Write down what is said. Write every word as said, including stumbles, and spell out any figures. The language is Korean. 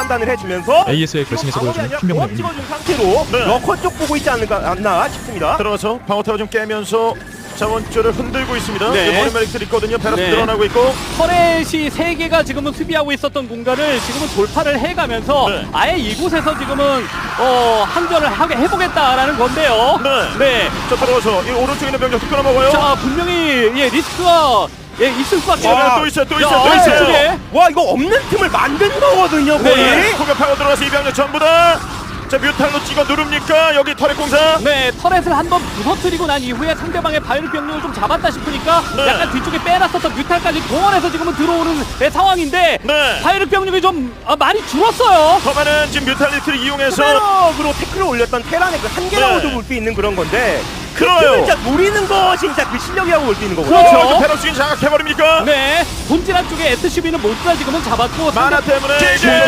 판단을 해주면서 에이에스의 결승에서 보여준 명 흰병 찍어준 상태로 네. 러커 쪽 보고 있지 않을까 않나 싶습니다. 들어가서 방어타워 좀 깨면서 자원줄을 흔들고 있습니다. 네. 머리 메릭들 있거든요. 베럭 네. 늘어나고 있고. 터렛이 세 개가 지금은 수비하고 있었던 공간을 지금은 돌파를 해가면서 네. 아예 이곳에서 지금은 어, 항전을 하게 해보겠다라는 건데요. 네. 네. 자, 들어가서 이 오른쪽에 있는 병력 끊어먹어요. 자, 분명히 예, 리스크가 예, 있을 수밖에 와, 없어요. 또 있어요, 또 야, 있어요, 또 아, 있어요. 저쪽에. 와 이거 없는 틈을 만든 거거든요. 거의. 네. 공격하고 들어가서 이 병력 전부 다. 자, 뮤탈로 찍어 누릅니까? 여기 터렛 공사. 네, 터렛을 한번 부서뜨리고 난 이후에 상대방의 바이올 병력을 좀 잡았다 싶으니까 네. 약간 뒤쪽에 빼놨었던 뮤탈까지 동원해서 지금은 들어오는 네, 상황인데 네. 바이올 병력이 좀 아, 많이 줄었어요. 더 많은 지금 뮤탈리티를 이용해서 페럭으로 태클을 올렸던 테란의 그 한계라고도 네. 볼 수 있는 그런 건데 그래요. 진짜 노리는 거 진짜 그 실력이라고 볼 수 있는 거거든요. 그렇죠. 어, 베럭 스킨 장악해버립니까? 네, 본질한 쪽에 에스씨비는 모두가 지금은 잡았고 만화 상대- 때문에 이제